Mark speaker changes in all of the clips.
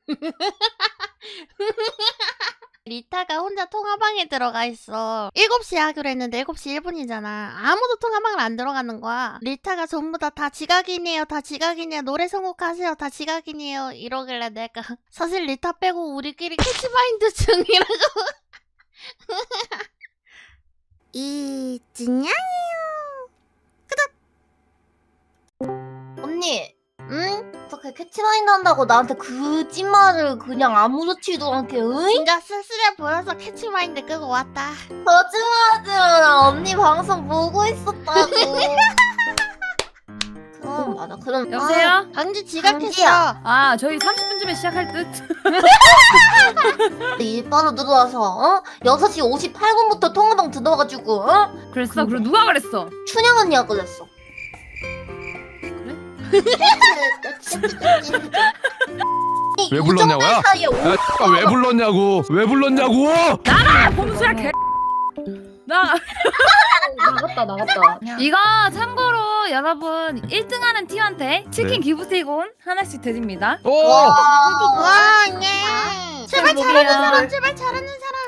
Speaker 1: 리타가 혼자 통화방에 들어가 있어. 7시에 하기로 했는데 7시 1분이잖아. 아무도 통화방을 안 들어가는 거야. 리타가 전부 다 지각이네요. 다 지각이네요. 노래 선곡하세요. 다 지각이네요. 이러길래 내가 사실 리타 빼고 우리끼리 캐치마인드 중이라고. 이진양이요.
Speaker 2: 언니,
Speaker 1: 응?
Speaker 2: 어떻게 캐치마인드 한다고 나한테 거짓말을 그냥 아무렇지도 않게, 으잉?
Speaker 1: 진짜 쓸쓸해 보여서 캐치마인드 끄고 왔다.
Speaker 2: 거짓말하지 마. 언니 방송 보고 있었다고. 그럼 맞아. 그럼
Speaker 3: 여보세요?
Speaker 1: 강지 지각했어.
Speaker 2: 강지야.
Speaker 3: 아 저희 30분쯤에 시작할 듯.
Speaker 2: 일바로 들어와서 6시 58분부터 통화방 들어와가지고
Speaker 3: 그랬어? 그리고 누가 그랬어?
Speaker 2: 춘향 언니가 그랬어.
Speaker 4: 왜 불렀냐고요? 야, 왜 불렀냐고? 왜 불렀냐고?
Speaker 3: 아 범수야 개. 나
Speaker 2: 나갔다.
Speaker 3: 이거 참고로 여러분 1등하는 팀한테 치킨 기프티콘 하나씩 드립니다.
Speaker 4: 오!
Speaker 1: 와, 예. 제발 잘하는 사람, 제발 잘하는 사람.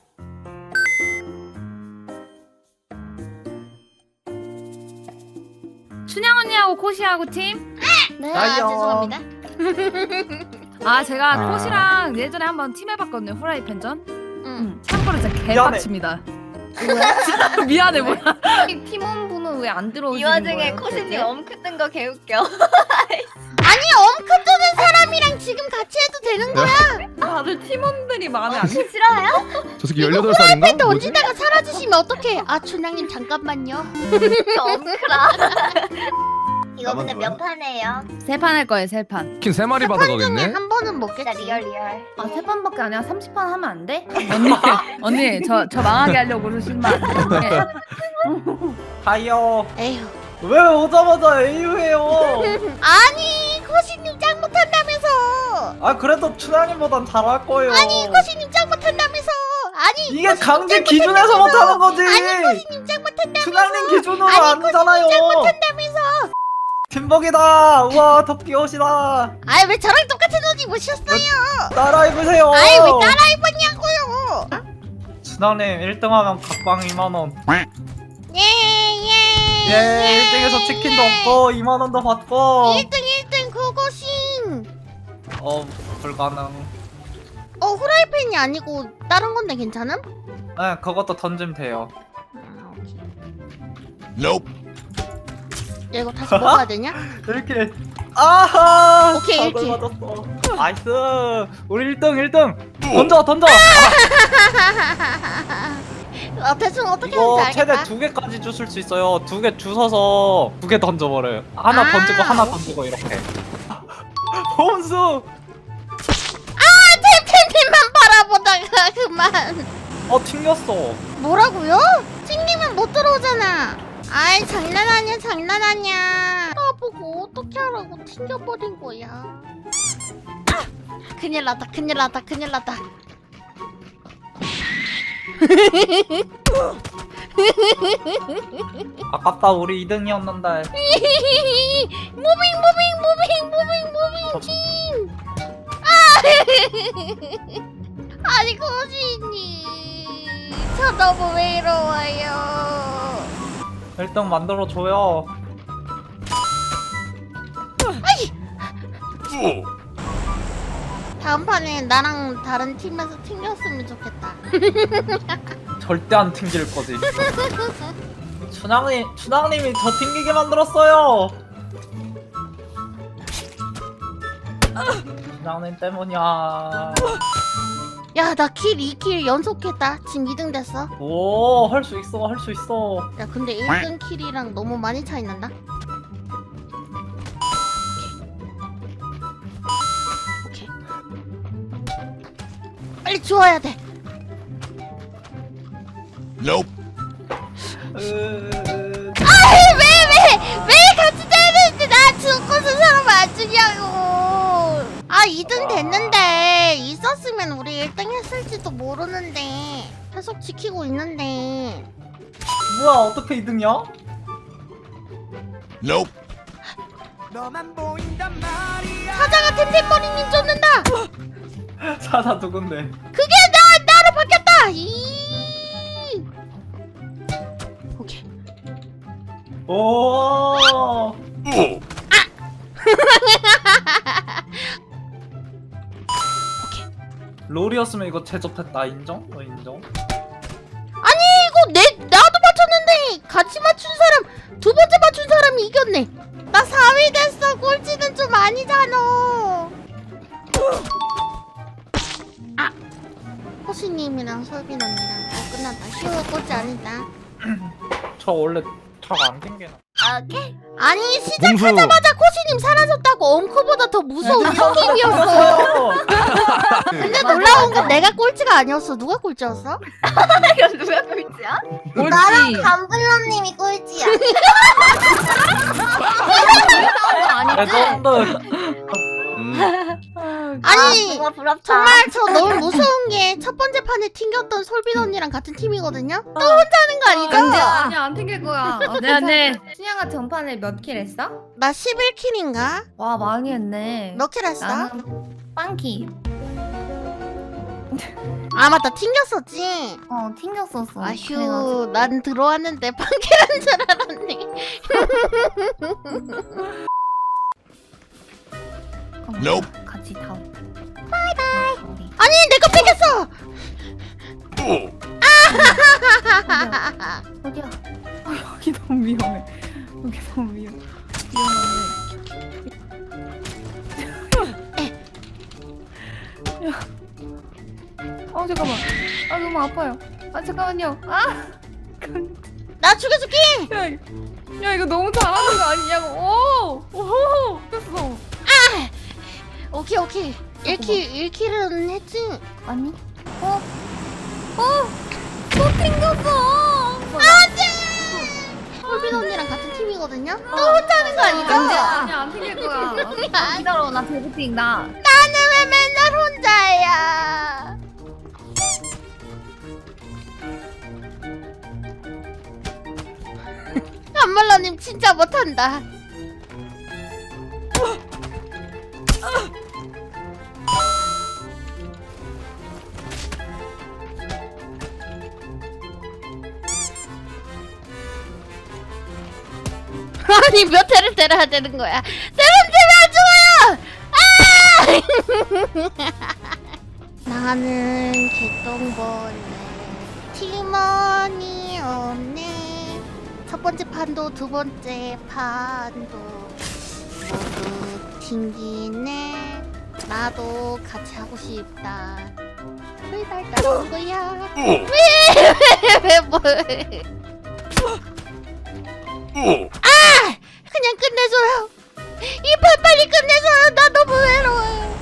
Speaker 3: 춘향 언니하고 코시하고 팀.
Speaker 1: 네,
Speaker 2: 아이요.
Speaker 1: 죄송합니다.
Speaker 3: 아 제가
Speaker 4: 아.
Speaker 3: 코시랑 예전에 한번 팀 해봤거든요. 후라이팬전.
Speaker 1: 응.
Speaker 3: 참고로 진짜 개빡칩니다. 미안해 뭐야. 팀원분은 왜 안 들어오시는
Speaker 2: 이
Speaker 3: 거예요?
Speaker 2: 와중에 코시님 엄크 뜬 거 개웃겨.
Speaker 1: 아니, 엄크 뜨는 사람이랑 지금 같이 해도 되는 거야?
Speaker 3: 다들 팀원들이 마음에 안 들.
Speaker 2: 싫어요?
Speaker 4: 저 새끼 18살인가?
Speaker 1: 또 얹다가 사라지시면 어떡해? 아, 춘향님 잠깐만요.
Speaker 2: 엄크라. 이거 근데 몇 판이에요?
Speaker 3: 3판 할 거예요 3판.
Speaker 4: 치킨 3마리 받아가겠네?
Speaker 1: 한 번은
Speaker 2: 진짜
Speaker 1: 먹겠지.
Speaker 2: 리얼.
Speaker 3: 아 3판밖에 아니라 30판 하면 안 돼? 언니 저 망하게 하려고 그러시면 안 돼.
Speaker 5: 가요.
Speaker 1: 에휴.
Speaker 5: 왜 오자마자 AU해요?
Speaker 1: 아니, 코시님 짱 못한다면서.
Speaker 5: 아 그래도 춘향님보단 잘할 거예요.
Speaker 1: 아니, 코시님 짱 못한다면서. 아니,
Speaker 5: 이게 강제 기준에서 못하는 거지.
Speaker 1: 코시님 짱 못한다면서.
Speaker 5: 춘향님 기준으로
Speaker 1: 아니,
Speaker 5: 아니잖아요.
Speaker 1: 짱 못한다면서.
Speaker 5: 팀벅이다. 우와 더 귀여우시다.
Speaker 1: 아이, 왜 저랑 똑같은 옷 입으셨어요?
Speaker 5: 따라 입으세요.
Speaker 1: 아이, 왜 따라 입었냐고요?
Speaker 5: 춘향님 1등하면 각방 2만원.
Speaker 1: 예, 예.
Speaker 5: 예 1등에서 치킨도 얻고 2만원도 받고.
Speaker 1: 1등 그것인.
Speaker 5: 불가능.
Speaker 1: 후라이팬이 아니고 다른 건데 괜찮음?
Speaker 5: 네 그것도 던지면 돼요.
Speaker 1: 아, 오케이.
Speaker 4: Nope.
Speaker 1: 야, 이거 다시 먹어야 되냐?
Speaker 5: 이렇게 아하
Speaker 1: 오케이,
Speaker 5: 답을
Speaker 1: 이렇게.
Speaker 5: 맞았어. 나이스 우리 1등 던져
Speaker 1: 대충 어떻게
Speaker 5: 이거
Speaker 1: 하는지
Speaker 5: 최대
Speaker 1: 알겠다.
Speaker 5: 2개까지 주실 수 있어요. 2개 주워서 2개 던져버려요. 하나
Speaker 1: 아,
Speaker 5: 던지고 하나
Speaker 1: 오케이.
Speaker 5: 던지고 이렇게. 홈수
Speaker 1: 템템템만 바라보다가 그만.
Speaker 5: 튕겼어.
Speaker 1: 뭐라고요? 튕기면 못 들어오잖아. 아이, 장난 아니야, 장난 아니야. 나보고 어떻게 하라고 튕겨버린 거야. 아! 큰일 났다, 큰일 났다, 큰일 났다.
Speaker 5: 아깝다 우리 2등이었는데.
Speaker 1: 무빙 팀. 아니, 거지님, 저 너무 외로워요.
Speaker 5: 1등 만들어줘요.
Speaker 1: 다음 판에 나랑 다른 팀에서 튕겼으면 좋겠다.
Speaker 5: 절대 안 튕길 거지. 춘향님이 저 튕기게 만들었어요. 춘향님 때문이야.
Speaker 1: 야, 나 킬 2킬 연속했다. 지금 2등 됐어.
Speaker 5: 오, 할 수 있어, 할 수 있어.
Speaker 1: 야, 근데 1등 킬이랑 너무 많이 차이 난다. 오케이. 빨리 주워야 돼.
Speaker 4: Nope.
Speaker 1: 왜 같이 때리는데 나 죽고서 사람 안 주냐고. 아, 2등 됐는데 있었으면 우리 1등 했을지도 모르는데 계속 지키고 있는데.
Speaker 5: 뭐야, 어떻게 2등이야?
Speaker 4: Nope.
Speaker 1: 사자가 템템머리님 쫓는다.
Speaker 5: 나 누군데?
Speaker 1: 그게 나로 바뀌었다. 오케이.
Speaker 5: 오. 롤이었으면 이거 제접했다. 인정? 인정?
Speaker 1: 아니 이거 나도 맞췄는데 같이 맞춘 사람 두 번째 맞춘 사람이 이겼네. 나 4위 됐어. 꼴찌는 좀 아니잖아. 아, 호시님이랑 설빈 언니랑 끝났다. 쉬워 꼴찌 아니다.
Speaker 5: 저 원래 잘 안 튕기나?
Speaker 2: 오케이.
Speaker 1: 아니 시작하자마자 코시님 사라졌다고. 엉크보다 더 무서운 형님이었어. 근데 놀라운 건 내가 꼴찌가 아니었어. 누가 꼴찌였어?
Speaker 2: 이거 누가 꼴찌야?
Speaker 3: 꼴찌.
Speaker 2: 나랑 감블러님이 꼴찌야.
Speaker 5: 레전드.
Speaker 1: 아니,
Speaker 2: 정말 부럽다.
Speaker 1: 정말 저 너무 무서운 게 첫 번째 판에 튕겼던 솔빈 언니랑 같은 팀이거든요? 또 혼자 하는 거 아니죠?
Speaker 3: 아니야 안 튕길 거야. 네. 순양아 전판에 몇 킬 했어?
Speaker 1: 나 11킬인가?
Speaker 3: 와 많이 했네.
Speaker 1: 몇 킬 했어?
Speaker 3: 나는 빵키.
Speaker 1: 아 맞다 튕겼었지?
Speaker 2: 튕겼었어.
Speaker 1: 아휴 난 들어왔는데 판킬한 줄 알았네.
Speaker 4: Nope.
Speaker 2: 같이 다.
Speaker 1: 아니 내거 뺏겼어!
Speaker 2: 어디야?
Speaker 3: 여기 너무 위험해. 여기 너무 위험해. 잠깐만. 아 너무 아파요. 아 잠깐만요.
Speaker 1: 나 죽여줄게!
Speaker 3: 야 이거 너무 잘하는 거 아니냐고. 오 됐어.
Speaker 1: 오케이 1킬은 했지?
Speaker 2: 아니?
Speaker 3: 또 튕겼어.
Speaker 1: 안돼! 솔빈 언니랑 같은 팀이거든요? 또 혼자 하는 거 아니죠?
Speaker 3: 아니야 안 튕길 거야. 기다려 나 데뷔팅 나.
Speaker 1: 나는 왜 맨날 혼자야? 안말라님 진짜 못한다. 아니 몇 회를 때려야 되는 거야? 때리면 안 죽어요! 나는 개똥벌레 팀원이 없네. 첫 번째 판도 두 번째 판도 모두 튕기네. 나도 같이 하고 싶다. 왜 날 따라온 거야? 왜 뭐해? 그냥 끝내줘요. 이 판 빨리 끝내줘요. 나 너무 외로워요.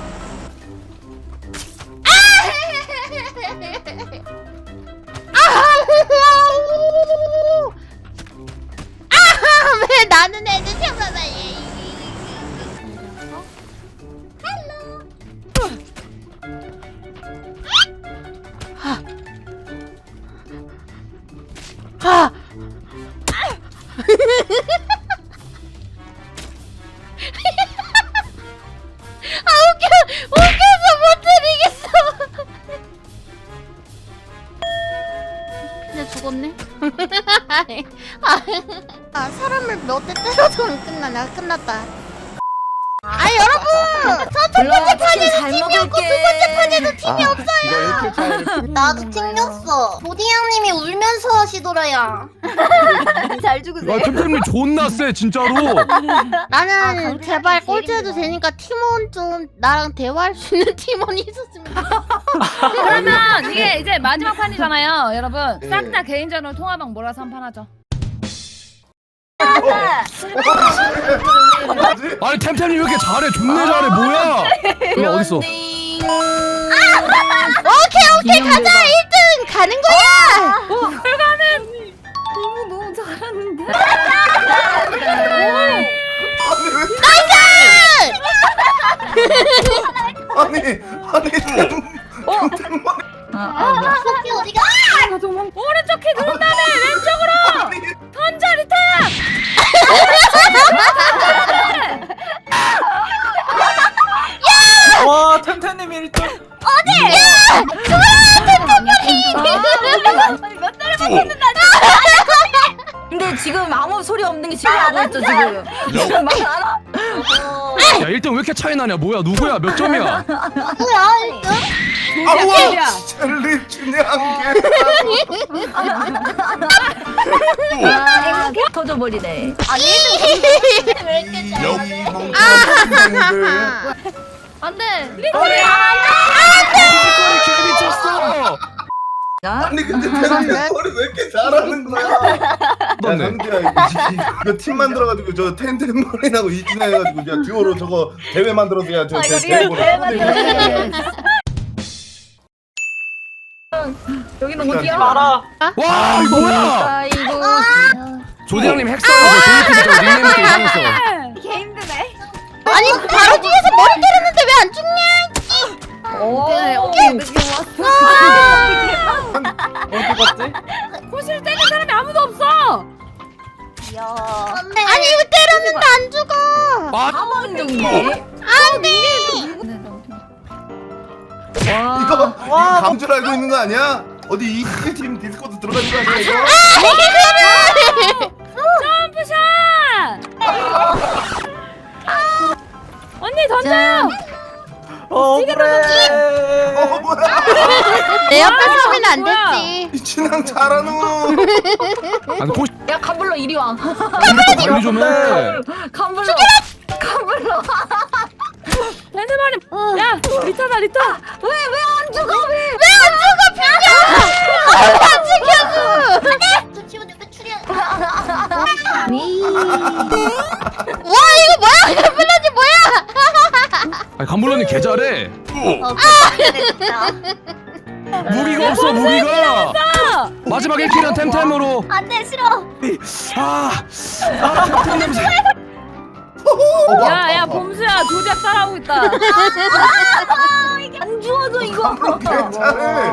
Speaker 1: 왜 나는 애들 태어나나 얘. 하. 웃겨서 못 드리겠어. 그냥 죽었네. 사람을 몇 대 때려도 안 끝나. 내가 끝났다. 여러분! 저 첫 번째 판에도 팀이 없고 두 번째 판에도 팀이 없어요.
Speaker 4: 이거 1킬 차이.
Speaker 2: 나도 튕겼어. 보디양님이 울면서 하시더라야. 잘 죽으세요.
Speaker 4: 야 템템님 존나 세 진짜로.
Speaker 1: 나는 제발
Speaker 2: 제일
Speaker 1: 꼴찌해도
Speaker 2: 힘들어.
Speaker 1: 되니까 팀원 좀 나랑 대화할 수 있는 팀원이 있었으면 좋겠어.
Speaker 3: 그러면 이게 이제 마지막 판이잖아요, 여러분.
Speaker 4: 네.
Speaker 3: 싹 다 개인전으로 통화방 몰아서 한 판 하죠.
Speaker 4: 아니 템템님 왜 이렇게 잘해? 존나 잘해 뭐야? 너 어딨어?
Speaker 1: 오케이 가자 1등 가는 거야.
Speaker 3: 너무 잘하는데.
Speaker 2: 토끼 어디가?
Speaker 3: 오른쪽 키 누른 다음에 왼쪽으로 던져 리타야.
Speaker 5: 와 템템님 1등.
Speaker 2: 근데 지금 아무 소리 없는 게 신기하고 있죠 지금. 지금 막 알아?
Speaker 4: 야 1등 왜 이렇게 차이 나냐? 뭐야 누구야? 몇 점이야?
Speaker 3: 조작이야.
Speaker 6: 젤리 준영한 게.
Speaker 2: 터져버리네.
Speaker 6: 이 멍청한 선생님들.
Speaker 3: 안돼.
Speaker 4: 개 미쳤어.
Speaker 6: 아니 근데 팬들 머리 왜 이렇게 잘하는 거야? 야
Speaker 4: 넌네.
Speaker 6: 상대야 이거 팀 만들어가지고 저 텐텐머리라고 이진해가지고 야 듀오로 저거 대회 만들어서 야저 대회 보내.
Speaker 2: 여기는
Speaker 6: 어디야?
Speaker 2: 어디야?
Speaker 5: 마라.
Speaker 4: 와 이거 뭐야?
Speaker 2: 아이고.
Speaker 4: 조대장님 핵사라고 조이팀 닉네임부터 이상했어.
Speaker 3: 개 힘드네.
Speaker 1: 아니 바로 뒤에서 머리 때렸는데 왜 안 죽냐?
Speaker 2: 오케이 느낌 왔어.
Speaker 5: 어디 갔지?
Speaker 3: 코시를 때리는 사람이 아무도 없어.
Speaker 1: 아니 왜 때렸는데 안 죽어?
Speaker 4: 아
Speaker 2: 사망중이네.
Speaker 1: 안돼.
Speaker 6: 이거 감줄 알고 있는 거 아니야? 어디 이팀 디스코드 들어가는 거 아니야 이거?
Speaker 3: 점프샷. 언니 던져요.
Speaker 5: 그래.
Speaker 6: 뭐야?
Speaker 1: 내 옆에 서면 안
Speaker 3: 뭐야?
Speaker 1: 됐지.
Speaker 6: 이춘향 잘하노.
Speaker 4: 아니 코
Speaker 2: 야 캄블러 이리 와.
Speaker 4: 관리 좀 해.
Speaker 2: 캄블러. 캄블러.
Speaker 3: 랜드마님. 야 리타다 리타.
Speaker 2: 왜 안 죽어? 왜?
Speaker 1: 안 지켜줘. 와 이거 뭐야? 블라지 뭐야?
Speaker 4: 아니 감블러님 개 잘해. 무기가 없어 무기가. 마지막 1킬은 템템으로.
Speaker 2: 안돼 싫어.
Speaker 4: 템템 냄새.
Speaker 3: 야야 봄수야 조작 따라하고 있다.
Speaker 2: 안 죽어도 이거.
Speaker 6: 괜찮아.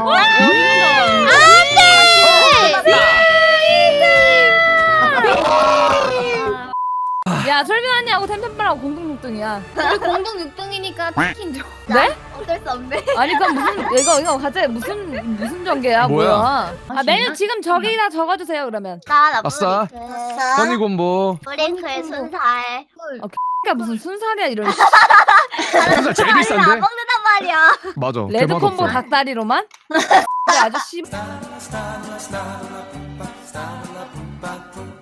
Speaker 3: 야 설빈 언니하고 템템빨하고 공동 6등이야.
Speaker 2: 우리 공동 6등이니까 치킨 줘.
Speaker 3: 네?
Speaker 2: 어쩔 수 없네.
Speaker 3: 아니 그럼 무슨 이거 갑자기 무슨 전개야
Speaker 4: 뭐야?
Speaker 3: 뭐야? 아 메뉴 지금 저기다 적어주세요 그러면.
Speaker 4: 아싸. 써니곰보.
Speaker 2: 브레이크의 순살.
Speaker 3: 그러니까 무슨 순살이야 이런.
Speaker 4: 순살 제일 비싼데?
Speaker 2: 먹는단 말이야.
Speaker 4: 맞아.
Speaker 3: 레드
Speaker 4: 개맛
Speaker 3: 콤보
Speaker 4: 없어.
Speaker 3: 닭다리로만? 아저씨.